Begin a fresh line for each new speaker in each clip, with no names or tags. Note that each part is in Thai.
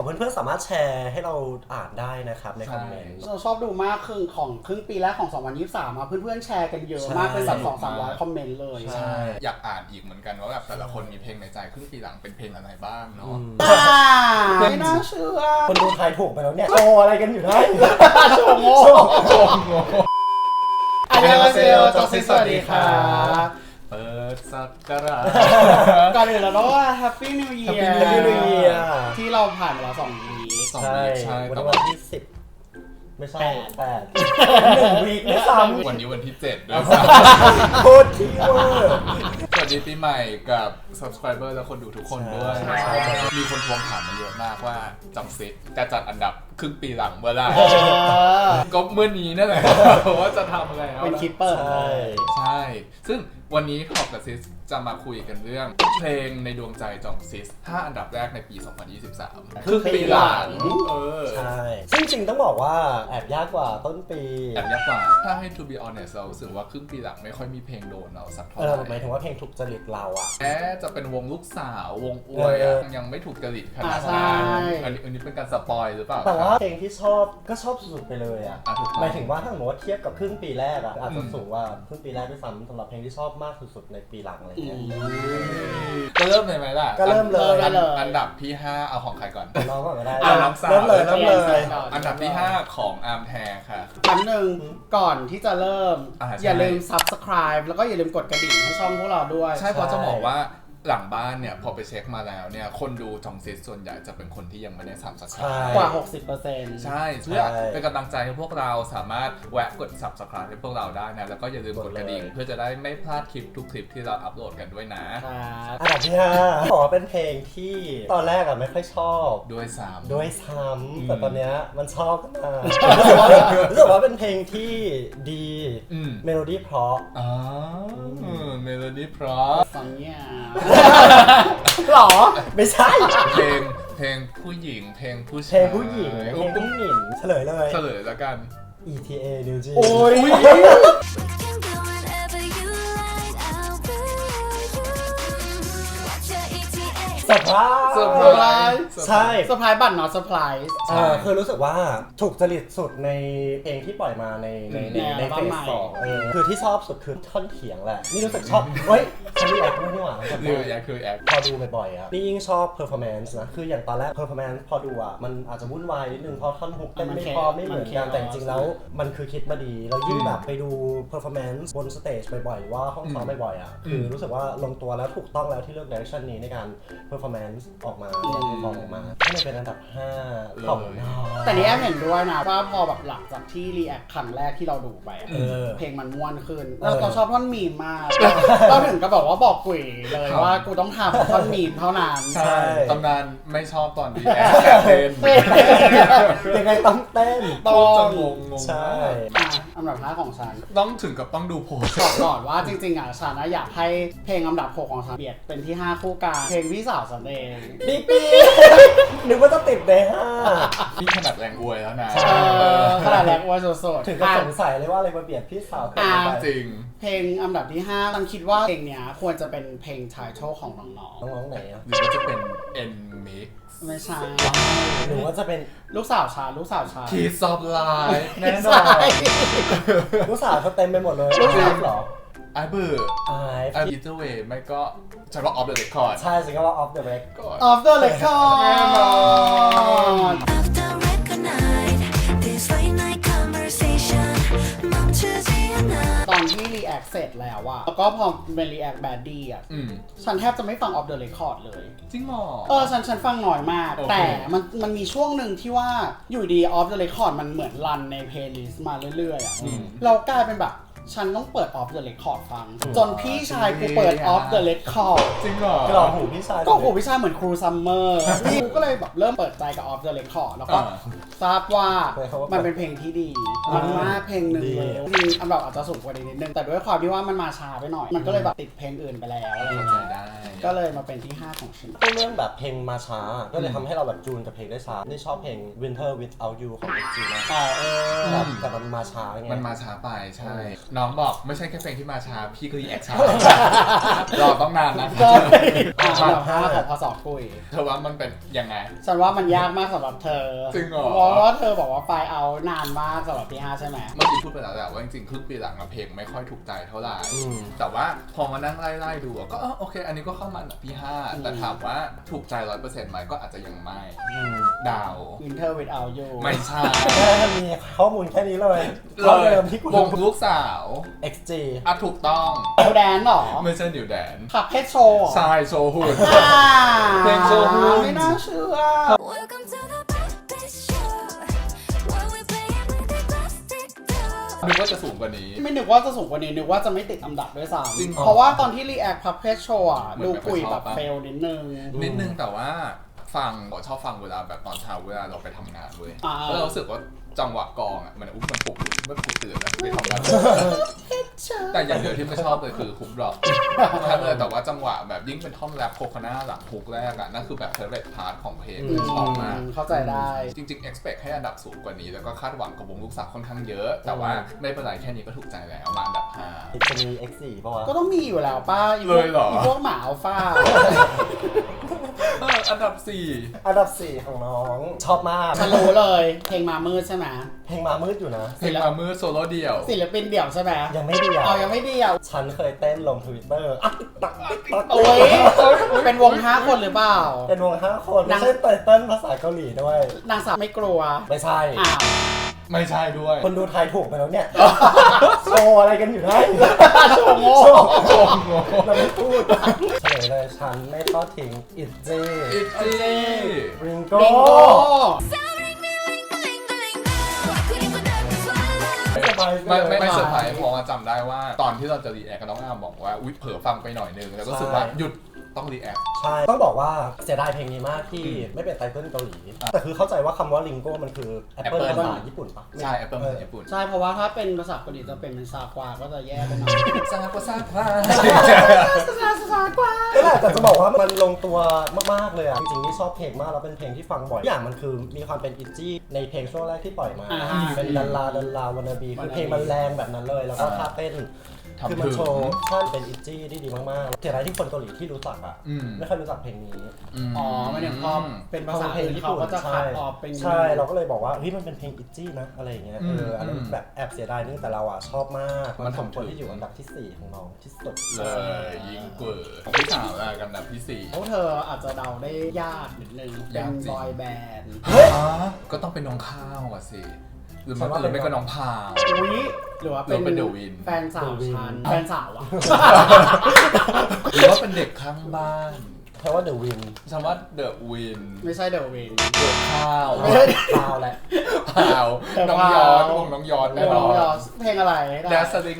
เพื่อนๆสามารถแชร์ให้เราอ่านได้นะครับในคอมเมนต์
เราชอบดูมากครึ่งปีแรกของ2023เพื่อนๆแชร์กันเยอะมากเป็นแบบ200-300คอมเมนต์เลย
ใช่อยากอ่านอีกเหมือนกันว่าแบบแต่ละคนมีเพลงในใจครึ่งปีหลังเป็นเพลงอะไรบ้างเนาะ
ไม่น่าเชื่อ
คนดูทายถูกไปแล้วเนี่ยโชว์อะไรกันอยู่ได้
โชว์โง่อันนี้มาเซลจอซิสวัสดีค่ะ
เปิดสักการะ
ก่อนอื่นเราต้องว่า Happy New Year
Happy New Year
ที่เราผ่านมาแล้ว2 วีค
ใช่วันที่10ไม่ใช่1 วีคด้วยซ้ำ
วันนี้วันที่7ด้วยซ้
ำโคตรที่เวอร์
สวัสดีปีใหม่กับ subscriber และคนดูทุกคนด้วยมีคนทวงถามมาเยอะมากว่าจำซิจะจัดอันดับครึ่งปีหลังเมื่อไหร่ก็เมื่อนี้นั่นแหละว่าจะทำอะไร
เป็นคิปเปอร์
ใช่ซึ่งวันนี้ท็อปกับซิสจะมาคุยกันเรื่องเพลงในดวงใจจองซิส5อันดับแรกในปี 2023 คือปีหลัง
ใช่ซึ่งจริงต้องบอกว่าแอบยากกว่าต้นปี
แอบยากกว่าถ้าให้ to be honest เรารู้สึกว่าครึ่งปีหลังไม่ค่อยมีเพลงโดนเราสักเท่าไหร่
หมายถึงว่าเพลงถูกจริตเราอะ
จะเป็นวงลูกสาววงอวยยังไม่ถูกจริตขนาดนั้นอันนี้เป็นการสปอยหรือเปล่า
แต่ว่าเพลงที่ชอบก็ชอบสุดๆไปเลยอะหมายถึงว่าถ้าสมมติว่าเทียบกับครึ่งปีแรกอะอาจจะสูงว่าครึ่งปีแรกด้วยซ้ำสำหรับเพลงที่ชอบมากสุดๆในปีหลังอะไรเงี้ย
ก็เริ่มเลยไหมล่ะ
ก็เริ่มเลย
อันดับที่5เอาของใครก่อน
น้องก่อนก็ได้
เริ่มเลยอันดับที่5ของอาร์มแทค่ะ
อันหนึ่งก่อนที่จะเริ่มอย่าลืม subscribe แล้วก็อย่าลืมกดกระดิ่งให้ช่องพวกเราด้วย
ใช่เพราะจะบอกว่าหลังบ้านเนี่ยพอไปเช็คมาแล้วเนี่ยคนดูจองซิสส่วนใหญ่จะเป็นคนที่ยังไม่ได้subscribe
กว่า 60%
ใช่เพื่อเป็นกำลังใจให้พวกเราสามารถแวะกด subscribe ให้พวกเราได้นะแล้วก็อย่าลืมกดกระดิ่งเพื่อจะได้ไม่พลาดคลิปทุกคลิปที่เราอัปโหลดกันด้วยนะ
อันดับที่5ขอเป็นเพลงที่ตอนแรกไม่ค่อยชอบ
ด้วย
ซ้ำแต่ตอนเนี้ยมันชอบขึ้นมารู้สึกว่าเป็นเพลงที่ดีเมโลดี้เพราะ
เมโลดี้เพราะ
ฟังเนี่ย
หรอไม่ใช่
เพลงผู้หญิงเพลงผู้ชาย
เพลงผู้หญิงเพลงผู้หญิงเฉลย
แล้วกัน
ETA New Jeans
โอ้ย
เซอร์ไพรส์ใช่
เซอร์ไพรส์บัตร not surprise
คือรู้สึกว่าถูกจริตสุดในเพลงที่ปล่อยมาในเฟสสองคือที่ชอบสุดคือท่อนเถียงแหละนี่รู้สึกชอบเฮ้ยฉันรีแอคไม่หว่าพอดูบ่อยๆนี่ยิ่งชอบ performance นะคืออย่างตอนแรก performance พอดูมันอาจจะวุ่นวายนิดนึงเพราะท่อนฮุกเต้นไม่พอไม่เหมือนกันแต่จริงๆแล้วมันคือคิดมาดีแล้วยิ่งแบบไปดู performance บนสเตจบ่อยๆว่าห้องซ้อมบ่อยๆคือรู้สึกว่าลงตัวแล้วถูกต้องแล้วที่เลือก direction นี้ในการperformance ออกมาให้มันเป็นอันดับ5ของน้อง
แต่นี่แอมเห็นด้วยนะว่าพอแบบหลังจากที่รีแอคครั้งแรกที่เราดูไปเพลงมันม่วนขึ้นเราชอบท่อนมีมมากเราถึงก็บอกว่าบอกกุ๋ยเลยว่ากูต้องทำท่อนมีมเท่านั้น
ใช่ตำนานไม่ชอบตอนรีแอคแต่เต้น
ยังไงต้องเต้น
ต้องงง
ใช่
อันดับ5ของฉัน
ต้องถึงกับต้องดูโพส
ก่อนว่าจริงๆฉันอยากให้เพลงอันดับ6ของฉันเบียดเป็นที่5คู่กันเพลงพี่สาวฉันเอง
ปีนึกว่าจะติดใน
5นี่ขนาดแรงอวยแล้วนะ
ขนาดแรงอวยสด
ๆถึงกับสงสัยเลยว่าอะไรมาเบียดพี่สาว
จริง
เพลงอันดับที่5ฉันคิดว่าเพลงเนี้ยควรจะเป็นเพลงไททอลของน้
องๆไหน
หรือว่าจะเป็น N Mix
ไม่ใช่
หรือว่าจะเป็น
ลูกสาวชา
Kiss of Life แน่นอน
ลูกสาวเขาเต็มไปหมดเลยลูกสาวเหรอ
ไอ้เบื่อEither way ไม่ก็ฉันว่า Off the Record
ใช่ฉันก็ว่า Off the Record
Off the Record แน่นอนตอนที่รีแอคเสร็จแล้วอะแล้วก็พอเป็นรีแอคแบดดี้อะฉันแทบจะไม่ฟัง Off the Record เลย
จริงเหรอ
ฉันฟังน้อยมากแต่มันมีช่วงหนึ่งที่ว่าอยู่ดี Off the Record มันเหมือนรันในเพลย์ลิสต์มาเรื่อยๆอะเรากลายเป็นแบบฉันต้องเปิด Off the Record ฟังจนพี่ชายกูเปิด Off the Record
จริงเหรอก
รอกหูพี่ชาย
ก็หูพี่ชายเหมือนครูซัมเมอร์พี่กูก็เลยแบบเริ่มเปิดใจกับ Off the Record แล้วก็ทราบว่ามันเป็นเพลงที่ดีมากเพลงหนึ่งเลยจริงอันดับอาจจะสูงกว่านิดนึงแต่ด้วยความที่ว่ามันมาช้าไปหน่อยมันก็เลยแบบติดเพลงอื่นไปแล้วอะไรอย่างเงี้ยก็เลยมาเป็นที่5ของฉัน
ก็เรื่องแบบเพลงมาช้าก็เลยทำให้เราแบบจูนกับเพลงได้ช้าได้ชอบเพลง Winter Without You ของ XG นะแต่มันมาช้าไง
มันมาช้าไปใช่น้องบอกไม่ใช่แค่เพลงที่มาช้าพี่ก็รีแอคช้ารอต้องนานนะ
อันดับ5ของพศกุย
เธอว่ามันเป็นยังไง
ฉันว่ามันยากมากสำหรับเธอ
จริงเหรอ
เพราะว่าเธอบอกว่าไฟเอานานมากสำหรับที่5ใช่ไหม
เมื่อกี้พูดไปแล้วแหละว่าจริงๆครึ่งปีหลังเพลงไม่ค่อยถูกใจเท่าไหร่แต่ว่าพอมานั่งไล่ดูก็โอเคอันนี้ก็เข้ามาอันดับที่5แต่ถามว่าถูกใจ 100% ไหมก็อาจจะยังไม่ดาว
Winter Without You
ไม่ใช่
มีข้อมูลแค่นี้เลยเดิมที่
วงลูกสาว
XG
ถูกต้อง
นิวแดนหรอ
ไม่ใช่นิวแดน
ขับเพชรโชว์
ใช่โชว์หุ่นเพลงโชว์หุ่น
ไม่น่าเชื่อ
นึกว่าจะสูงกว่านี้
ไม่นึกว่าจะสูงกว่านี้นึกว่าจะไม่ติดอันดับด้วยซ้ำเพราะว่าตอนที่รีแอคพับเพชรโชว์ดูกุยแบบเฟลนิดนึง
แต่ว่าชอบฟังเวลาแบบตอนเช้าเวลาเราไปทำงานด้วยแล้วเรารู้สึกว่าจังหวะกองมันปลุกตื่นแล้วไปทำงานแต่อย่างเดียวที่ไม่ชอบเลยคือฮุกดรอปแต่ว่าจังหวะแบบยิ่งเป็นท่อนแรปโคคาน่าหลังฮุกแรกนั่นคือแบบเฟเวอร์พาร์ทของเพลงชอบมาก
เข้าใจได้
จริงๆ expect ให้อันดับสูงกว่านี้แล้วก็คาดหวังกับวงลูกสาวค่อนข้างเยอะแต่ว่าไม่เป็นไรแค่นี้ก็ถูกใจแล้วมาอันดับ5
จะมี X4 ป่ะวะ
ก็ต้องมีอยู่แล้วป้า
เลยเหรอ
พวกหมาอัลฟา
อันดับ
4ของน้องชอบมาก
ฉันรู้เลยเพลงมามืดใช่ไหม
เพลงมามืดอยู่นะ
เพลงมามืดโซโล่เดี่ยว
ศิลปินเดี่ยวใช่ไหม
ยังไม่เดี่ยว
ยังไม่เดี่ยว
ฉันเคยเต้นลง Twitter
โอ้ยเป็นวง5คนหรือเปล่า
เป็นวง5คนไม่ใช่เต้นภาษาเกาหลีด้วย
นางสาวไม่กลัว
ไม่ใช่
ไม่ใช่ด้วย
คนดูไทยถูกไปแล้วเนี่ยโชว์อะไรกันอยู่ได้
โชว์โง่
เราไม่พูดเฉลยเลยฉันไม่ทอดทิ้งอิตจี้ริงโก้
ไม่เซอร์ไพรส์เพราะว่าจำได้ว่าตอนที่เราจะรีแอคกับน้องอาร์มบอกว่าอุ๊ยเผลอฟังไปหน่อยนึงแล้วก็รู้สึกว่าหยุดต้องรีแอค
ใช่ต้องบอกว่าเสียดายเพลงนี้มากที่ไม่เป็นไตเติ้ลเกาหลีแต่คือเข้าใจว่าคำว่าลิงโก้มันคือแอปเปิลภาษาญี่ปุ่นปะ
ใช่แอปเปิลภาษาญี่ปุ่น
ใช่เพราะว่าถ้าเป็นภาษาเกาหลีจะเป็นซาควาก็จะแย่ไปหน่อย
ซาควาซาคว
า
นั่นแหละแต่จะบอกว่ามันลงตัวมากๆเลยอ่ะจริงๆนี่ชอบเพลงมากแล้วเป็นเพลงที่ฟังบ่อยอย่างมันคือมีความเป็นอิจี้ในเพลงช่วงแรกที่ปล่อยมาเป็นดันลาวันนาบีคือเพลงมันแรงแบบนั้นเลยแล้วก็ท่าเต้นคือมันโชว์ท่านเป็นอิจี้ที่ดีมากๆเสียดายที่คนเกาหลีที่รู้จักอ่ะไม่ค่อยรู้จักเพลงนี้
ไม่ได้พอเป็นภาษาเพลงที่เขาก็จะคัดออกเป็น
ใช่เราก็เลยบอกว่าเฮ้ยมันเป็นเพลงอิจี้นะอะไรอย่างเงี้ยอันนั้นแบบแอบเสียดายนึงแต่เราอ่ะชอบมากมันสมควรที่อยู่อันดับที่4ของน้องที่สุด
เลยยิงเปิดพี่สาวอันดับที่4
พวกเธออาจจะเดาได้ยากนิดนึงเป็นบอยแบนด์
ก็ต้องเป็นน้องข้าวอ่ะสิหรือไม่ก็น้องพาว
หรือว่าเป็น
เดอะวิน
แฟนสาวฉันแฟนสาวอะ
หรือว่าเป็นเด็กข้างบ้าน
แปลว่าเดอะวิน
ฉันว่าเดอะวิน
ไม่ใช่เดอะวิน
เดอะข้าว
ข้าวแหละ
ข้าวน้องย้อนวงน้องย้อนแน่นอน
เพลงอะไร
แดสลิง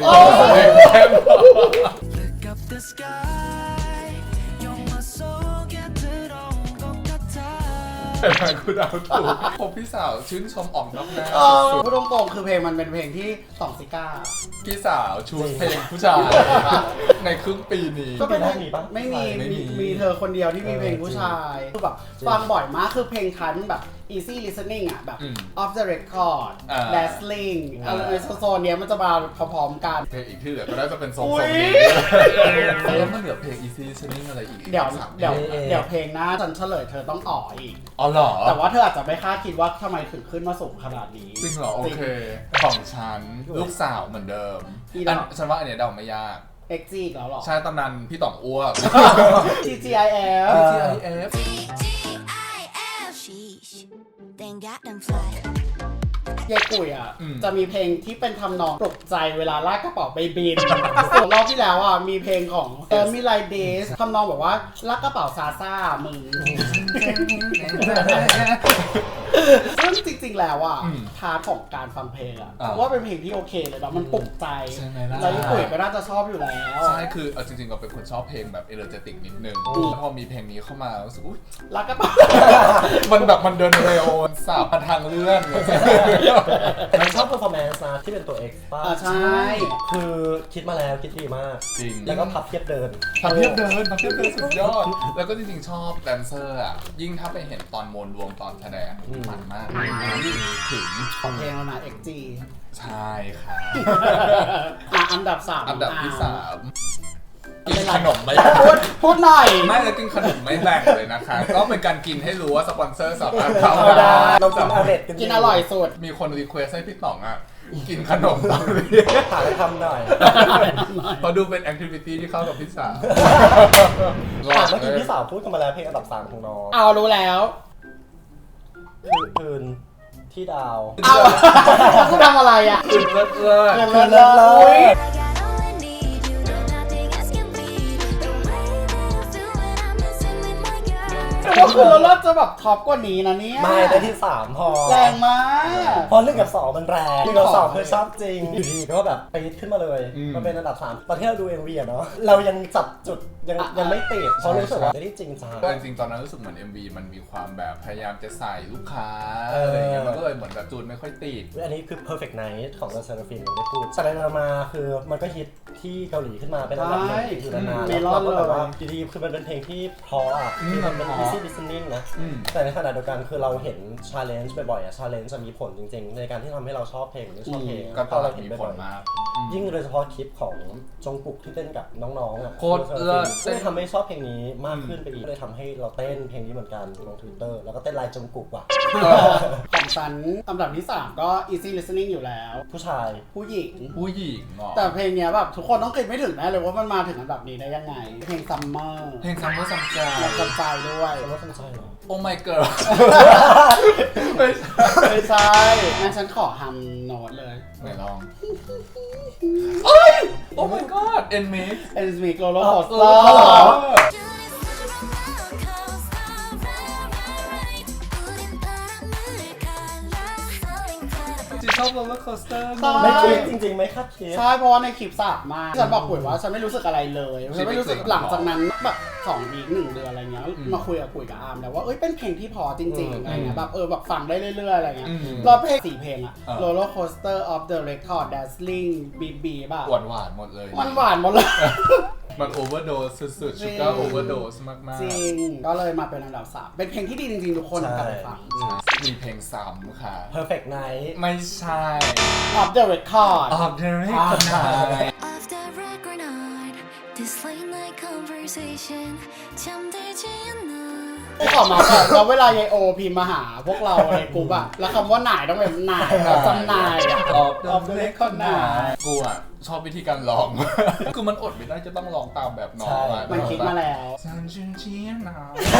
กูเดาถูกผมพี่สาวชื่นชมออกนอกหน้า
พูดตรงๆคือเพลงมันเป็นเพลงที่สองซิก้า
พี่สาวชูเพลงผู้ชายในครึ่งปีนี้
ก็เป็นเพลงนี้ปะไม่มีเธอคนเดียวที่มีเพลงผู้ชายคือแบบฟังบ่อยมากคือเพลงท้ายมันแบบ easy listening อ่ะแบบ off the record dazzling อะไรโซนเนี้ยมันจะมาพร้อมๆกัน
เพลงอีกที่เหลือก็น่าจะเป็นทรงนี้แล้วมันเหลือเพลง easy listening อะไรอีก
เดี๋ยวเพลงหน้าฉันเฉลยเธอต้องอ๋ออีก
อ๋อเหรอ
แต่ว่าเธออาจจะไม่คาดคิดว่าทำไมถึงขึ้นมาสูงขนาดนี้
จริงเหรอโอเคของฉันลูกสาวเหมือนเดิมฉันว่าอันเนี้ยเดาไม่ยาก
XG อีกแล้วหรอ
ใช่ตอนนั้นพี่ต่องอ้วก
TGIF ยายกุ๋ยอ่ะจะมีเพลงที่เป็นทำนองปลุกใจเวลาลากกระเป๋าไปบินส่วนรอบที่แล้วอ่ะมีเพลงของมิไลเดสทำนองบอกว่าลากกระเป๋าซาซ่ามึงซึ่งจริงๆแล้วอ่ะพาร์ทของการฟังเพลงอ่ะว่าเป็นเพลงที่โอเคเลยแบบมันปลุกใจแล้วญี่ปุ่นก็น่าจะชอบอยู่แล้ว
ใช่คือจริงๆก็เป็นคนชอบเพลงแบบเอเนอร์เจติกนิดนึงแล้วพอมีเพลงนี้เข้ามารู้สึก
รักกัน
มันแบบมันเดินเร็วสาบทางเรื่อง
มันชอบ performance นะที่เป็นตัว X ป่ะ
ใช่
คือคิดมาแล้วคิดดีมาก
จริง
แล้วก็พับเทียบเดิน
สุดยอดแล้วก็จริงๆชอบแดนเซอร์อ่ะยิ่งถ้าไปเห็นตอนมวลรวมตอนแสดงมันมากถึง
ของเพลงแล้วนะ XG
ใช่ค่ะ
อันดับ3
อันดับที่3กินขนมไม่
พูดหน่อย
ไม่แล้วกินขนมไม่แบ่งเลยนะคะก็เป็นการกินให้รู้ว่าสปอนเซอร์สามารถเข้า
ได้เรากิน
กินอร่อยสุด
มีคนรีเควสให้พี่ต๋องอ่ะกินขนมตอนนี้
หาอะไรทำหน่อย
พอดูเป็นแอคทิวิตี้ที่เข้ากับพี่สาว
เมื่อกี้พี่สาวพูดกันมาแล้วเพลงอันดับ3ของน้อง
รู้แล้ว
คืนที่ดาว
จะทำอะไรอ่ะ
คืนเลิศ
ก็คือเราจะแบบท็อปกว่านี้นะเนี่ย
ไม่ได้ที่3พอ
แรงมาก
พอ1 กับ 2มันแรง1 กับ 2คือชอบจริงอยู่ดีก็แบบไปขึ้นมาเลยมันเป็นอันดับ3ตอนที่เราดู MV อ่ะเนาะเรายังจับจุดยังไม่ติดเพราะรู้สึกว่าไม่ได้จริงจัง
จริงๆตอนนั้นรู้สึกเหมือน MV มันมีความแบบพยายามจะใส่ลูกค้าอะไรอย่างเงี้ยมันก็เลยเหมือนแบบจูนไม่ค่อยติด
อันนี้คือ perfect night ของเซอร์ฟินได้พูดสไลด์มาคือมันก็ฮิตที่เกาหลีขึ้นมาเป็นอันดับหนึ่งอยู่นานๆแล้วก็แบบว่าดีๆคือมันเป็นเพลงที่เพราะอ่ะคือมันเป็น easy listening นะแต่ในขณะเดียวกันคือเราเห็น challenge บ่อยๆอ่ะ challenge จะมีผลจริงๆในการที่ทำให้เราชอบเพลงหรือไม่ชอบเพลง
ก็
เราเห็น
ผลมาก
ยิ่งโดยเฉพาะคลิปของจงกุกที่เต้นกับน้องๆอ่ะ
โคตรเลิศ
เลยทำให้ชอบเพลงนี้มากขึ้นไปอีกเลยทำให้เราเต้นเพลงนี้เหมือนกันลง Twitter แล้วก็เต้นลายจงกุกว่ะ
ของฉันอันดับที่3ก็ easy listening อยู่แล้ว
ผู้ชาย
ผู้หญิง
แต่
เพลงเนี้ยแบบทุกคนต้องคิดไม่ถึงแน่เลยว่ามันมาถึงอันดับนี้ได้ยังไงเพลง summer
ซัมใจ
ซัมใจด้วย
ซัมใจเหรอ
Oh my girl
ไม่ใช่งั้นฉันขอทำโน้ตเลย
ไหนลองOh my god
Enmix Roller Coaster
ชอบ roller coaster
ไม่คิดจริงๆไม่คาดคิด
ใช่เพราะว่าในคลิปสาบมากฉันบอกปุ๋ยว่าฉันไม่รู้สึกอะไรเลยฉันไม่รู้สึกหลังจากนั้นแบบ2 วีค 1 เดือนอะไรเงี้ยมาคุยกับปุ๋ยกับอาร์มแล้วว่าเป็นเพลงที่พอจริงๆอะไรเงี้ยแบบแบบฟังได้เรื่อยๆอะไรเงี้ยแล้วเพลง4 เพลงอะ roller coaster of the record dazzling bb ป่ะ
หวานหมดเลย
มันหวานหมดเลย
มันโอเวอร์โดสสุดๆชูการ์โอเวอร์โดสมากๆ
จริงก็เลยมาเป็นอันดับ3เป็นเพลงที่ดีจริงๆทุกคนกลับไปฟัง
มีเพลงซ้ำค่ะ
Perfect Night
ไม่ใช่
Of the Record
Of the Record
This late night conversation จำได้จริงนะขอมาแล้วเวลายายโอพิมพ์มาหาพวกเราในกลุ่มอะแล้วคำว่าหน่ายต้องเป็นหน่ายจำนายอะ
Of the Record หน่ายกูอะชอบวิธีการร้องคือมันอดไม่ได้จะต้องร้องตามแบบน้อง
มันคิดมาแล้ว
ซันชินชีนะ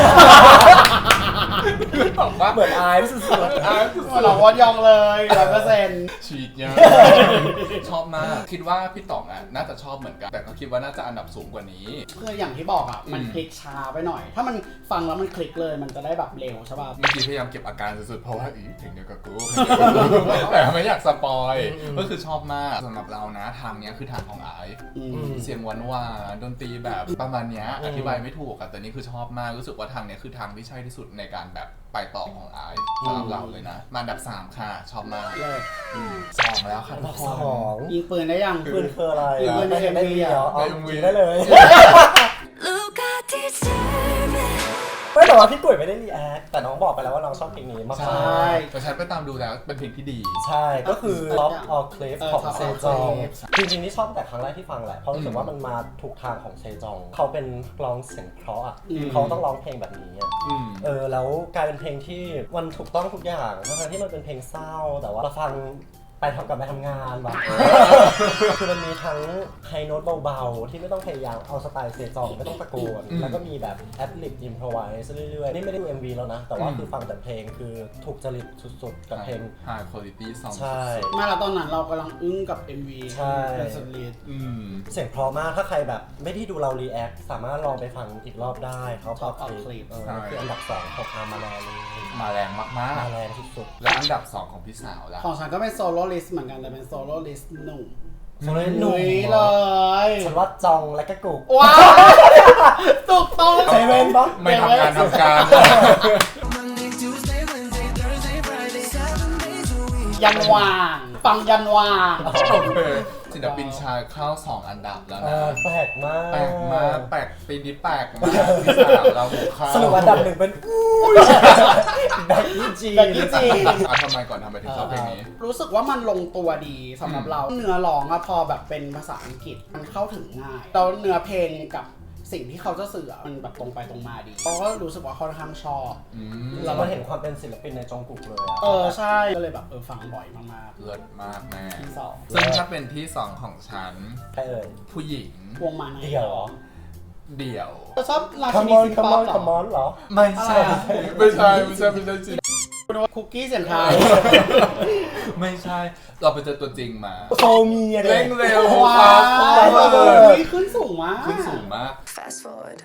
เหมือนอายสุด
ๆเราวอดยองเลย100%
ฉีดเยอะชอบมากคิดว่าพี่ต๋องอ่ะน่าจะชอบเหมือนกันแต่ก็คิดว่าน่าจะอันดับสูงกว่านี้
คืออย่างที่บอกอ่ะมันคลิกช้าไปหน่อยถ้ามันฟังแล้วมันคลิกเลยมันจะได้แบบเร็วใช่ป่ะ
เมื่อกี้พยายามเก็บอาการสุดๆเพราะว่าเพลงเดียวกับกูแต่ไม่อยากสปอยก็คือชอบมากสำหรับเรานะทางเนี้ยคือทางของไอซ์เสียงหวานๆดนตรีแบบประมาณเนี้ยอธิบายไม่ถูกอะแต่นี่คือชอบมากรู้สึกว่าทางเนี้ยคือทางที่ใช่ที่สุดในการแบบไปต่อของไอซ์สำหรับเราเลยนะมาอันดับ3ค่ะชอบมาก2แล้วค่ะ
ยิงปืนได้ยัง
ปืนคืออะไร
ยิงปืนในเอ็มวี
เหรอเอายิงได้เลยไม่แต่ว่าพี่กุ้ยไม่ได้รีแอคแต่น้องบอกไปแล้วว่าน้องชอบเพลงนี้มาก
ใช่
แต่ฉันไปตามดูแล้วเป็นเพลงที่ดี
ใช่ก็คือ Top of Cliff ของเซจองจริงๆนี่ชอบแต่ครั้งแรกที่ฟังแหละเพราะรู้สึกว่ามันมาถูกทางของเซจองเขาเป็นร้องเสียงเพราะอ่ะเขาต้องร้องเพลงแบบนี้แล้วกลายเป็นเพลงที่มันถูกต้องทุกอย่างทั้งที่มันเป็นเพลงเศร้าแต่ว่าเราฟังไปไปทำงานแบบคือมันมีทั้งไฮโน้ตเบาๆที่ไม่ต้องพยายามเอาสไตล์เซจองไม่ต้องตะโกนแล้วก็มีแบบแอดลิปอิมพรไวส์เรื่อยๆนี่ไม่ได้ดู MV แล้วนะแต่ว่าคือฟังแต่เพลงคือถูกจริตสุดๆกับเพลง
High Quality Song
ใช่
มาแล้วตอนนั้นเรากำลังอึ้งกับ MV
ใช่
เป็นสุดฤทธิ์
เสียงเพราะมากถ้าใครแบบไม่ได้ดูเรารีแอคสามารถลองไปฟังอีกรอบได้เขา
Top
ค
Clip
ลิปคืออันดับ2ของอาร์มาแลนเลย
มาแรงมาก
มาแรงสุด
ๆ แล้วอันดับ 2 ของพี่สาวล่ะ
ของฉันก็เป็นโซโล่ลิสต์เหมือนกันแต่เป็นโซโล่ลิสต์หนุ่ม
ๆฉันเลยห
ห
นุ่
นุ่
ม
ยเลย
ฉันว่าจองและก็กุก
ว้าวถูกต้อง
เซเว่นปะ
ไม่ทำงานทำการ
ยันวางฟังยันวาง
โอเคศิลปินชายเข้า2 อันดับแล้วนะ
แปลกมาก
แปลกมากแปลกปีนี้แปลกมากพี่สาวเราเข้า
สรุปอันดับ1เป็นแบ็คกี้จี
แบ็คกี้จี
ทำไมก่อนทำไมถึงชอบเพลงนี้
รู้สึกว่ามันลงตัวดีสำหรับเราเนื้อร้องอะพอแบบเป็นภาษาอังกฤษมันเข้าถึงง่ายแล้วเนื้อเพลงกับสิ่งที่เขาจะสื่อมันแบบตรงไปตรงมาดีเราก็รู้สึกว่าค่อนข้างชอบ
เราก็เห็นความเป็นศิลปินในจองกุกเลยอะ
ใช่ก็เลยแบบฟังบ่อยมาก
เลิศมากแม่
ๆที่สอง
ซึ่งถ้าเป็นที่ 2 ของฉัน
ใครเอ่ย
ผู้หญิง
วงมาใน
เดี่ยวเหรอ
เดี่ยว
ชอบรา
คั
ชิ
ม
นี
มอน
ซิง
คัม
ป๊
ม
อ
อ
ป
น
เหร
คัมม
อ
อนเหรอ
ไม่ใช่
อะไรอะ
ไม่ใช่จริง
คุณว่าคุกกี้เสียงไทย
ไม่ใช่ เราไปเจอตัวจริงมา
โซมีอะ
เร่งเร็ว
ว้า
fast
ว
forward
ขึ้นสูงมาก
ขึ้นสูงมาก
Fast forward.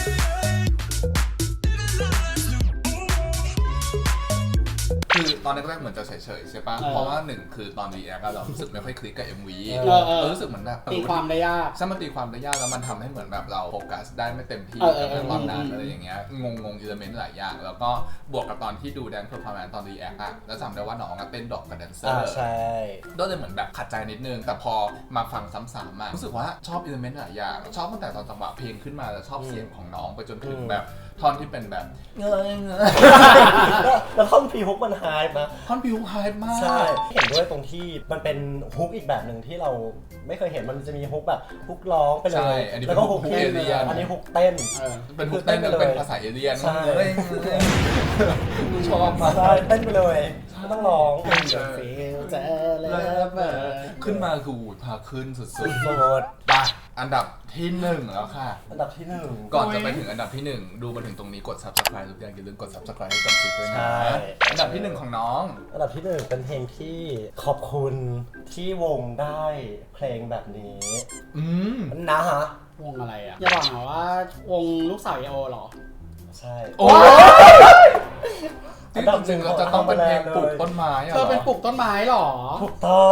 คือตอนแรกๆเหมือนจะเฉยๆใช่ปะเพราะว่า1คือตอนรีแอคเรารู้สึกไม่ค่อยคลิกกับ MV เรารู้สึกเหมือนแบบ
ตีความได้ยาก
ใช่มันตีความได้ยากแล้วมันทำให้เหมือนแบบเราโฟกัสได้ไม่เต็มที่
เออ
กับตอนนั้นอะไรอย่างเงี้ยงงอิเลเมนต์หลายอย่างแล้วก็บวกกับตอนที่ดูแดนเพอร์ฟอร์แมนซ์ตอนรีแอคอะแล้วจำได้ว่าน้องอะเต้นดอกกับแดนเซอร์
ใช่
ก็เลยเหมือนแบบขัดใจนิดนึงแต่พอมาฟังซ้ำๆมารู้สึกว่าชอบอิเลเมนต์หลายอย่างชอบตั้งแต่ตอนจังหวะเพลงขึ้นมาแล้วชอบเสียงของน้องไปจนถึงแบบท่อนที่เป็นแบบเงย
แล้วท่อนพีฮุกมันไฮป์นะ
ท่อนบิวไฮมาก
ใช่ เห็นด้วยตรงที่มันเป็นฮุกอีกแบบหนึ่งที่เราไม่เคยเห็นมันจะมีฮุกแบบฮุกร้องไปเล
ใช่
ย
อันนี้
แล้วก็
เป็นฮุก
เต้น
เอเลี่ยน
อันนี้ฮุกเต้น
เป็นฮุกเต้นแล้วเป็นภาษาเอเลี่ยน
ใช่
ชอบมาก
ใช่เต้นไปเลยไม่ต้องร้อง
ฟีลเจอเลยเบอร์
ขึ้นมาคือหูพาขึ้นสุด
โสด
ๆไปอันดับที่ 1 แล้วค่ะ
อันดับที่ 1
ก่อนจะไปถึงอันดับที่ 1 ดูมาถึงตรงนี้กด subscribe ทุกอย่างอย่าลืมกด subscribe ให้กับซิกด้วยนะอันดับที่ 1 ของน้อง
อันดับที่ 1 เป็นเพลงที่ขอบคุณที่วงได้เพลงแบบนี้ นะฮะ
วงอะไรอ่ะ อย่าบอกนะว่าวงลูกสาวเอโอเหรอ
ใช่
โอ้จริงๆเราจะต้องเป็นเพลงปลูกต้นไม้อะ
เธอเป็นปลูกต้นไม้เหรอ
ถูกต้อง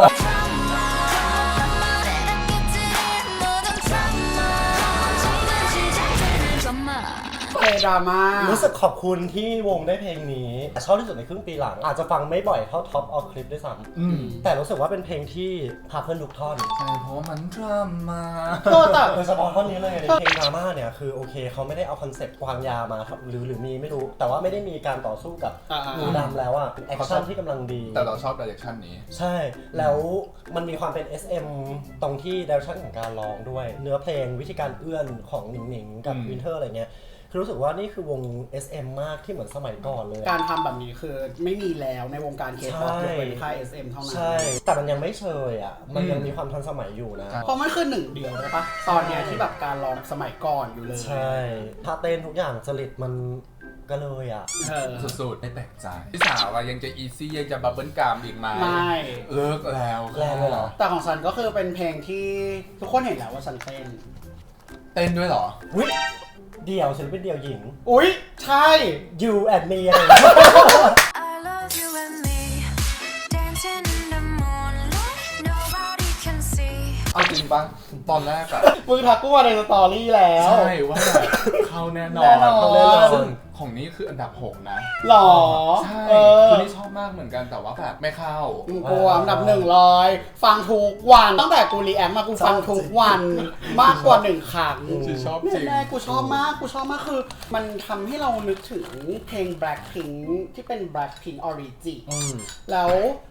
เพลงดราม่า
รู้สึกขอบคุณที่วงได้เพลงนี้ชอบที่สุดในครึ่งปีหลัง อาจจะฟังไม่บ่อยเท่าท็อปออฟคลิปด้วยซ้ำแต่รู้สึกว่าเป็นเพลงที่พาเพื่อนทุกท่อน
ใช่เพราะว่ามันดราม่า
แต่
โดยเฉพาะท่อนนี้เลยเพลงดราม่าเนี่ยคือโอเคเขาไม่ได้เอาคอนเซ็ปต์วางยามาหรือมีไม่รู้ แต่ว่าไม่ได้มีการต่อสู้กับงูดำแล้วอะเป็นแอคชั่นที่กำลังดี
แต่เราชอบ direction นี้
ใช่ แล้วมันมีความเป็น SM ตรงที่ direction ของการร้องด้วย เนื้อเพลงวิธีการเอื้อนของหนิงๆกับวินเทอร์อะไรเงี้ยคือรู้สึกว่านี่คือวง SM มากที่เหมือนสมัยก่อนเลย
การทำแบบนี้คือไม่มีแล้วในวงการเคป๊อป
ใช่
ยกเว้นค่าย SM เท่านั้น
ใช่ แต่มันยังไม่เชยอ่ะ มันยังมีความทันสมัยอยู่นะ
เพราะมันคือหนึ่งเดียวเลยปะตอนเนี้ยที่แบบการร้องสมัยก่อนอยู่เลย
ใช่ท่าเต้นทุกอย่างจริตมันก็เลยอ่ะ
สุดๆไม่แปลกใจพี่สาวว่ายังจะอีซี่ยังจะบับเบิ้ลกรามอีกไหม
ไม่
เลิกแล้ว
แรงเลยเหรอ
แต่ของฉันก็คือเป็นเพลงที่ทุกคนเห็นแล้วว่าฉันเต้น
เต้นด้วยเหรอ
วิเดี่ยวศิลปินเดี่ยวหญิง
อุ๊ย ใช่
You and me อะไรอย่างเงี้ย
I love you and me, dancing in the moonlight, nobody can see.
เอาจริงปะตอนแรกอะ
มึงทักกูมาในสตอรี่แล้ว
ใช่ว่าแบบเข้าแน่นอน
แน่นอน
ซึ่งของนี้คืออันดับ 6 นะ
หรอ
ใช่
เออ
คือนี่ชอบมากเหมือนกันแต่ว่าแบบไม่เข้า
กูอันดับ100ฟังทุกวัน ตั้งแต่กูรีแอคมากูฟังทุกวันมากกว่า1 ครั้ง
คือชอบจริง
แน่ๆกูชอบมากคือ มันทำให้เรานึกถึงเพลง Blackpink ที่เป็น Blackpink Origin แล้ว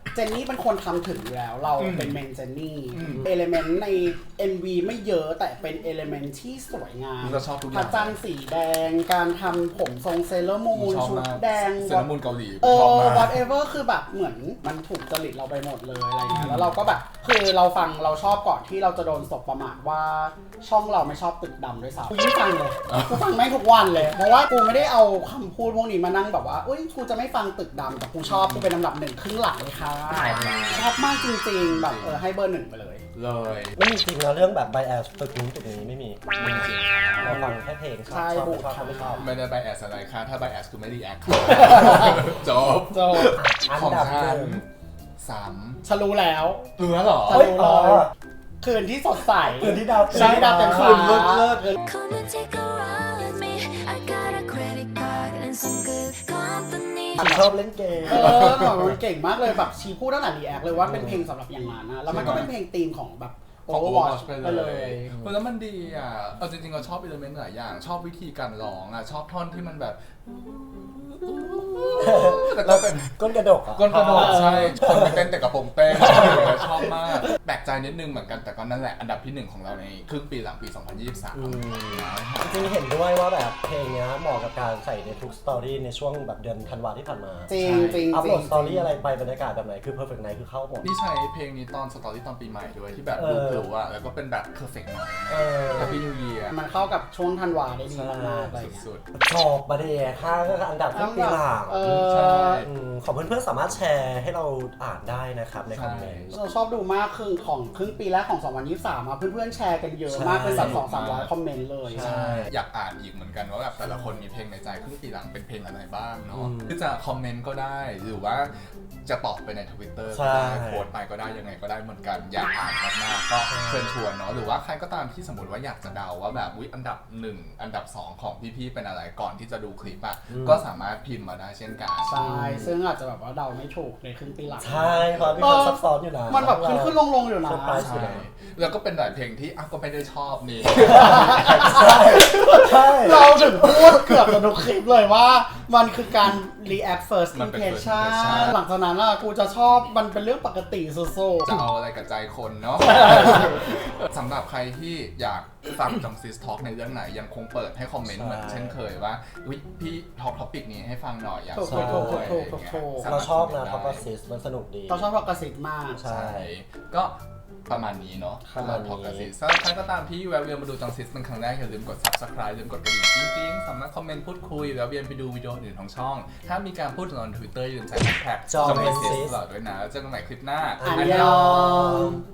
เจนนี่เป็นคนทำถึงอยู่แล้วเราเป็นเมนเจนนี่เอลิเมนต์ใน MV ไม่เยอะแต่เป็นเอลิเมนต์ที่สวยงาม
เราชอบทุกอ
พระ
ย่าง
จันทร์สีแดงการทำผมทรงเซเลอร์มูน
ชอบ
ชุด
มาก
แดง
เซรามูนเกาหลี
เ
ชอบมาก
whatever คือแบบเหมือนมันถูกจริตเราไปหมดเลยอะไรเงี้ยแล้วเราก็แบบคือเราฟังเราชอบก่อนที่เราจะโดนสบประมาทว่าช่องเราไม่ชอบตึกดำด้วยซ้ำกูไม่ฟังเลยกูฟังแม่งทุกวันเลยเพราะว่ากูไม่ได้เอาคำพูดพวกนี้มานั่งแบบว่าอุ้ยกูจะไม่ฟังตึกดำแต่กูชอบกูเป็นลำดับหนึ่งครึ่งหลังเลยค่ะชอบมากจริงๆแบบให้เบอร์หนึ่งไปเลย
เลย
ไม่มีจริงนะเรื่องแบบ bias ตึกนู้นตึกนี้ไม่มี
จริง
เราฟังแค่เพลงชอบ
ใช่
ชอบ
บุ
ไม่ชอบไม่ชอบ
ไม่ได้ไบแอสอะไรค่ะถ้าไบแอสคือไม่รีแอคจบ
โจ
อัน
ของ
ดับ
ฉั
ห
น
นึ่ง
ฉันรู้แล้ว
เหรอ
ฉันรู้เลยคืนที่สดใส
คืนที่ดาวเต็ม
ใช่ดาวเต็มฟ้า
Come and take a ride with me. I got a credit card and some good company.
ฉันชอบเล่นเกม
แบบมันเก่งมากเลยแบบชีพูดตั้งแต่รีแอคเลยว่าเป็นเพลงสำหรับอย่างนั้นนะแล้วมันก็เป็นเพลงธีมของแบบ
ของ
Overwatch
Overwatch
ไป
ไป
เล
เลย ยแล้วมันดีอ่ะเอาจริงๆเราชอบอิเลเมนต์หลายอย่างชอบวิธีการร้องอ่ะชอบท่อนที่มันแบบแต่ก็เป็น
ก้นกระดกอ่ะ
ก้นกระโดดใช่คนไปเต้นแต่กระโปรงเต้นชอบมากแปลกใจนิดนึงเหมือนกันแต่ก็นั่นแหละอันดับที่ 1 ของเราในครึ่งปีหลังปี 2023
จริงๆเห็นด้วยว่าแบบเพลงเนี้ยเหมาะกับการใส่ในทุกสตอรี่ในช่วงแบบเดือนธันวาที่ผ่านมา
จริงจริง
อัพโหลดสตอรี่อะไรไปบรรยากาศแบบไหนคือ perfect night คือเข้าหมด
นี่ใช้เพลงนี้ตอนสตอรี่ตอนปีใหม่ด้วยที่แบบดูพลุอ่ะแล้วก็เป็นแบบ perfect night
เออ
Happy New Year
มันเข้ากับช่วงธันวาได้ดีมากๆอะไรอย่างเงี้ย
สุด
ชอบมาเดย์ค่าก็อันดับทุกปีหลัง
เอ
ใช่
ของเพื่อนๆสามารถแชร์ให้เราอ่านได้นะครับในคอมเมนต์
เราชอบดูมากครึ่งปีแรกของ 2023มาเพื่อนๆแชร์กันเยอะมากเป็นแบบ 200-300 คอมเมนต์เลย
ใช่
อยากอ่านอีกเหมือนกันว่าแบบแต่ละคนมีเพลงในใจครึ่งปีหลังเป็นเพลงอะไรบ้างเนาะ
อืม
คือจะคอมเมนต์ก็ได้หรือว่าจะตอบไปใน Twitter
ใช่
ก็ได้โพสต์ไปก็ได้ยังไงก็ได้เหมือนกันอยากอ่านมากๆก็เชิญชวนเนาะหรือว่าใครก็ตามที่สมมติว่าอยากจะเดาว่าแบบอุ๊ยอันดับ 1 อันดับ 2 ของพี่ๆเป็นอะไรก่อนที่จะดูคลิปอ่ะก็สามารถพิมพ์มาได้เช่นกัน
ใช่ซึ่งอาจจะแบบว่าเดาไม่ถูกในครึ่งปีหลัง
ใช่ครับมีความซับซ้อนอยู่นะ
มันแบบขึ้นลงอยู่นะ
เซอร์ไพรส์
ใช่แล้วก็เป็นหลายเพลงที่ก็ไม่ได้ชอบนี่
ใช่ใช่
เราถึงพูดเกือบจะทุกคลิปเลยว่ามันคือการ react first
มันเป็น first
impression
impression
หลังจากนั้นกูจะชอบมันเป็นเรื่องปกติสุด
จะเอาอะไรกับใจคนเนาะ สำหรับใครที่อยากฟังจองซิสทอล์กในเรื่องไหนยังคงเปิดให้คอมเมนต์เหมือนเช่นเคยว่าอุ๊ยพี่ทอล์กท็อปิกนี้ให้ฟังหน่อยอยาก
ถูก
ฟัง
ถูก
ด้วย
ถูก
อะไรอย่างเงี้ย
ถูก
สม
เรา
ถ
ชอบนะ
ค
ท็อป
มเม
อ
นต์
ซิสมันสนุกดี
ๆเราชอบพอกระสิทธิ์มาก
ใช่
ใช่ก็ประมาณนี้เนาะ
ประมาณนี้
ทอล์กซิสถ้าใครก็ตามที่แวะเวียนมาดูจองซิสเป็นครั้งแรกอย่าลืมกด subscribe ลืมกดกระดิ่งกิ๊งๆสามารถคอมเมนต์พูดคุยแวะเวียนไปดูวิดีโออื่นของช่อง ถ้ามีการพูดถึงใน Twitter อย่าลืมใส่แฮชแท็ก
Jongmensis
ตลอดด้วยนะแล้วเจอกันใหม่คลิปหน้า
อันยอง